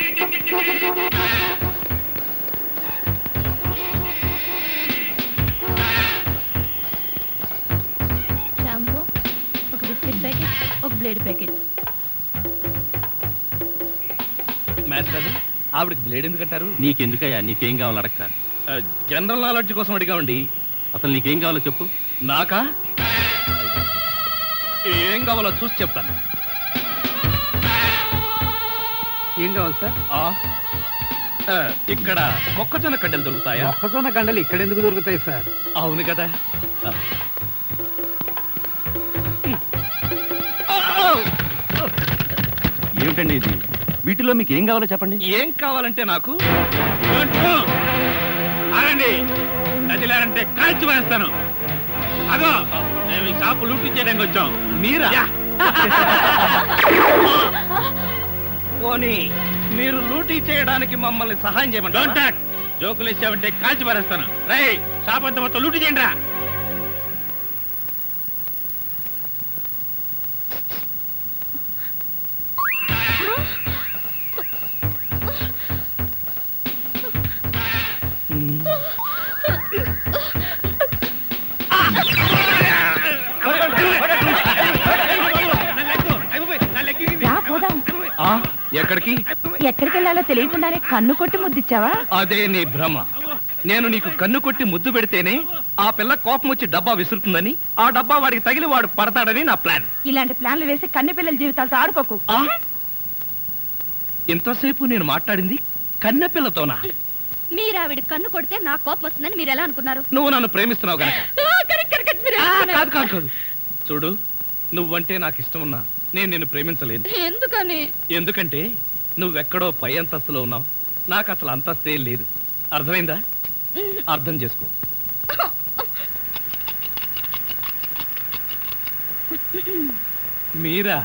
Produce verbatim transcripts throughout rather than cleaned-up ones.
Shampoo, ఒక biscuit packet, ఒక blade packet. Master, ఆవిడకి బ్లేడ్ ఎందుకంటారు? నీకెందుకయ్యా? నీకేం కావాలి అడక్క. జనరల్ నాలెడ్జ్ కోసం అడిగామండి. అసలు నీకేం కావాలో చెప్పు. నాకా? ఏం కావాలో చూసి చెప్తాను. ఏం కావాలి సార్? ఇక్కడ మొక్కజొన్న కండలు దొరుకుతాయా? మొక్కజొన్న కండలు ఇక్కడ ఎందుకు దొరుకుతాయి సార్? అవును కదా. ఏమిటండి ఇది? వీటిలో మీకు ఏం కావాలో చెప్పండి. ఏం కావాలంటే నాకు ఆగండి, నదిలారంటే కాల్చి వేస్తాను. అదో మేము ఈ షాపు లూటీ చేయడానికి వచ్చాం. మీరా? పోనీ మీరు లూటీ చేయడానికి మమ్మల్ని సహాయం చేయమంటారా? జోకులు ఇచ్చామంటే కాల్చి పారేస్తాను. రై, షాప్ అంతా మొత్తం లూటీ చేయండి రా. ఎక్కడికి ఎక్కడికి వెళ్ళాలో తెలియకుండానే కన్ను కొట్టి ముద్దిచ్చావా? అదే నీ భ్రమ. నేను నీకు కన్ను కొట్టి ముద్దు పెడితేనే ఆ పిల్ల కోపం వచ్చి డబ్బా విసురుతుందని, ఆ డబ్బా వాడికి తగిలి వాడు పడతాడని నా ప్లాన్. ఇలాంటి ప్లాన్లు వేసి కన్నె పిల్లల జీవితాలతో ఆడుకోకు. ఇంతసేపు నేను మాట్లాడింది కన్నె పిల్లతోనా? మీరు ఆవిడ కన్ను కొడితే నా కోపం వస్తుందని మీరు ఎలా అనుకున్నారు? నువ్వు నన్ను ప్రేమిస్తున్నావు గనక. కాదు కాదు కాదు చూడు, నువ్వంటే నాకు ఇష్టం ఉన్నా నేను నిన్ను ప్రేమించలేను. ఎందుకని? ఎందుకంటే నువ్వెక్కడో పై అంతస్తులో ఉన్నావు, నాకు అసలు అంతస్తే లేదు. అర్థమైందా? అర్థం చేసుకో. మీరా?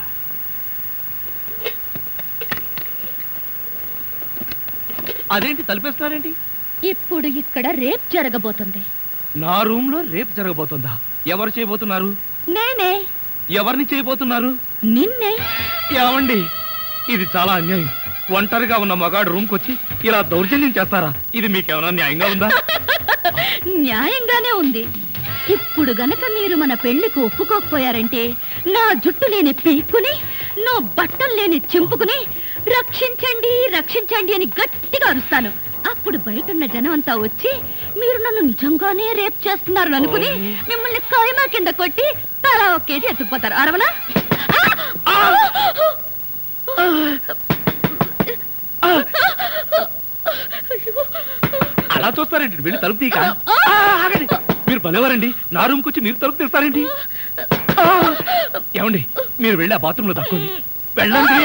అదేంటి తలిపేస్తున్నారేంటి? ఇప్పుడు ఇక్కడ రేప్ జరగబోతుంది. నా రూమ్ లో రేప్ జరగబోతుందా? ఎవరు చేయబోతున్నారు? నేనే. ఎవరిని చేయబోతున్నారు? నిన్నే. ఏమండి, ఇది చాలా అన్యాయం. ఒంటరిగా ఉన్న మగాడు రూమ్ కొచ్చి ఇలా దౌర్జన్యం చేస్తారా? ఇది మీకేమైనా న్యాయంగా ఉందా? న్యాయంగానే ఉంది. ఇప్పుడు గనక మీరు మన పెళ్లికి ఒప్పుకోకపోయారంటే నా జుట్టు లేని పీక్కుని, నా బట్టలు లేని చింపుకుని రక్షించండి రక్షించండి అని గట్టిగా అరుస్తాను. అప్పుడు బయటున్న జనం అంతా వచ్చి మీరు నన్ను నిజంగానే రేప్ చేస్తున్నారు అనుకుని మిమ్మల్ని కాయమా కింద కొట్టి తలా ఒక కేజీ ఎత్తుకుపోతారు. అరవనా? అలా చూస్తారేంటి? వెళ్ళి తలుపు తీక. మీరు భలేవారండి, నా రూమ్కి వచ్చి మీరు తలుపు తీస్తారేంటి? ఏమండి, మీరు వెళ్ళి ఆ బాత్రూంలో తక్కోండి. వెళ్ళండి.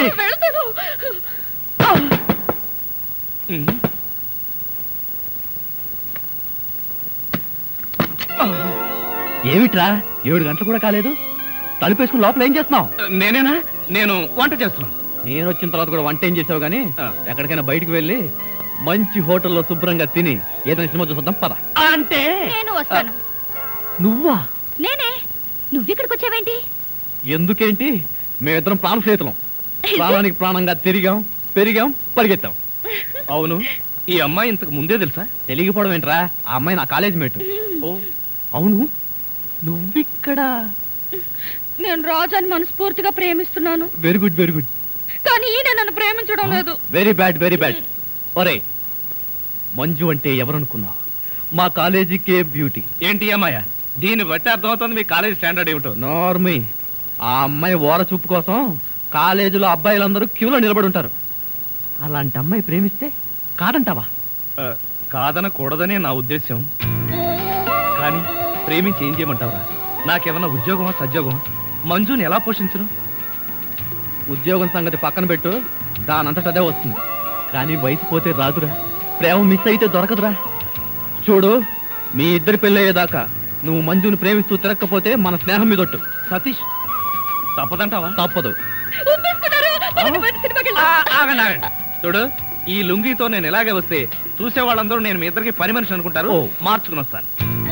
ఏమిట్రా, ఏడు గంటలు కూడా కాలేదు, తలుపేసుకుని లోపల ఏం చేస్తున్నావు? నేనేనా? నేను వంట చేస్తున్నాను. నేను వచ్చిన తర్వాత కూడా వంట ఏం చేసావు గానీ, ఎక్కడికైనా బయటికి వెళ్ళి మంచి హోటల్లో శుభ్రంగా తిని ఏదైనా సినిమా చూద్దాం పద. అంటే నేను వస్తాను. నువ్వా? నేనే. నువ్విక్కడికి వచ్చావేంటి? ఎందుకేంటి, మేమిద్దరం ప్రాణ స్నేహితులం. ప్రాణానికి ప్రాణంగా తిరిగాం, పెరిగాం, పరిగెత్తాం. అవును, ఈ అమ్మాయి ఇంతకు ముందే తెలుసా? తెలియకపోవడం ఏంట్రా, ఆ అమ్మాయి నా కాలేజ్ మేట్. అవును, నువ్విక్కడ? నేను రాజాని మనస్ఫూర్తిగా ప్రేమిస్తున్నాను. Very good very good. కానీ ఈయన నన్ను ప్రేమించడం లేదు. Very bad very bad. ఒరే, మంజు అంటే ఎవరనుకున్నావు? మా కాలేజీకే బ్యూటీ. ఏంటి అమ్మాయ? దీన్ని బట్టి అర్థమవుతుంది మీ కాలేజీ స్టాండర్డ్ ఏమిటో. నార్మీ, ఆ అమ్మాయి ఓర చూపు కోసం కాలేజీలో అబ్బాయిలందరూ క్యూలో నిలబడి ఉంటారు. అలాంటి అమ్మాయి ప్రేమిస్తే కాదంటావా? కాదనకూడదనే నా ఉద్దేశం. కానీ ప్రేమించి ఏం చేయమంటావురా? నాకేమన్నా ఉద్యోగమా సద్యోగమా? మంజుని ఎలా పోషించను? ఉద్యోగం సంగతి పక్కన పెట్టు, దానంతట అదే వస్తుంది. కానీ వయసు పోతే రాదురా, ప్రేమ మిస్ అయితే దొరకదురా. చూడు, మీ ఇద్దరి పెళ్ళయ్యేదాకా నువ్వు మంజుని ప్రేమిస్తూ తిరగకపోతే మన స్నేహం మీదొట్టు. సతీష్, తప్పదంటావా? తప్పదు. ఆగండి ఆగండి. చూడు, ఈ లుంగితో నేను ఇలాగే వస్తే చూసే వాళ్ళందరూ నేను మీ ఇద్దరికి పని మనిషి అనుకుంటారు. మార్చుకుని వస్తాను.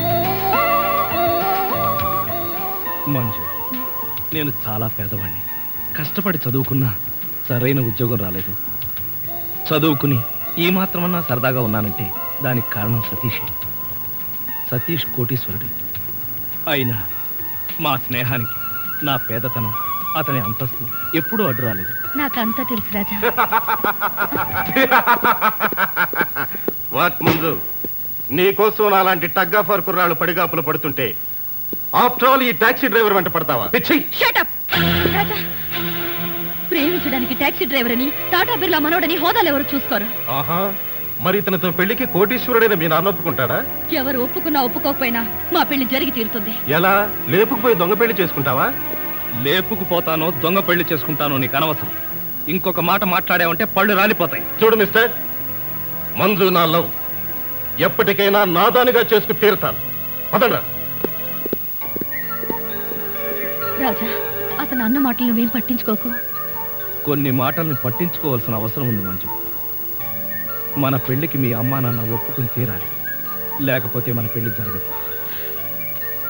మంజు, నేను చాలా పేదవాడిని. కష్టపడి చదువుకున్నా సరైన ఉద్యోగం రాలేదు. చదువుకుని ఈ మాత్రమన్నా సరదాగా ఉన్నానంటే దానికి కారణం సతీషే. సతీష్ కోటీశ్వరుడు అయినా మా స్నేహానికి నా పేదతనం, అతని అంతస్తు ఎప్పుడూ అడ్డు రాలేదు. నాకంతా తెలుసు రాజా. వాట్ ముందు నీకోసం అలాంటి టగ్గాఫర్ కుర్రాళ్ళు పడిగాపులు పడుతుంటే ఆఫ్టర్ ఆల్ ఈ టాక్సీ డ్రైవర్ వెంట పడతావా? పిచ్చి! Shut up! రాజా, ప్రేమించడానికి టాక్సీ డ్రైవర్ అని, టాటా బిర్లా మనోడని హోదాలు ఎవరు చూసుకోరు. ఆహా, మరి ఇతనితో పెళ్లికి కోటీశ్వరుడైన మీ నాన్న ఒప్పుకుంటాడా? ఎవరు ఒప్పుకున్నా ఒప్పుకోకపోయినా మా పెళ్లి జరిగి తీరుతుంది. ఎలా? లేపుకుపోయి దొంగ పెళ్లి చేసుకుంటావా? లేపుకుపోతానో దొంగ పెళ్లి చేసుకుంటానో నీకు అనవసరం. ఇంకొక మాట మాట్లాడావంటే పళ్ళు రాలిపోతాయి. చూడు మిస్టర్, మంజు నా లవ్, ఎప్పటికైనా నాదానిగా చేసుకు తీరుతాను. పదండ్రా. రాజా, అతను అన్న మాటలు నువ్వేం పట్టించుకోకు. కొన్ని మాటల్ని పట్టించుకోవాల్సిన అవసరం ఉంది మంజు. మన పెళ్లికి మీ అమ్మా నాన్న ఒప్పుకుని తీరాలి, లేకపోతే మన పెళ్లి జరగదు.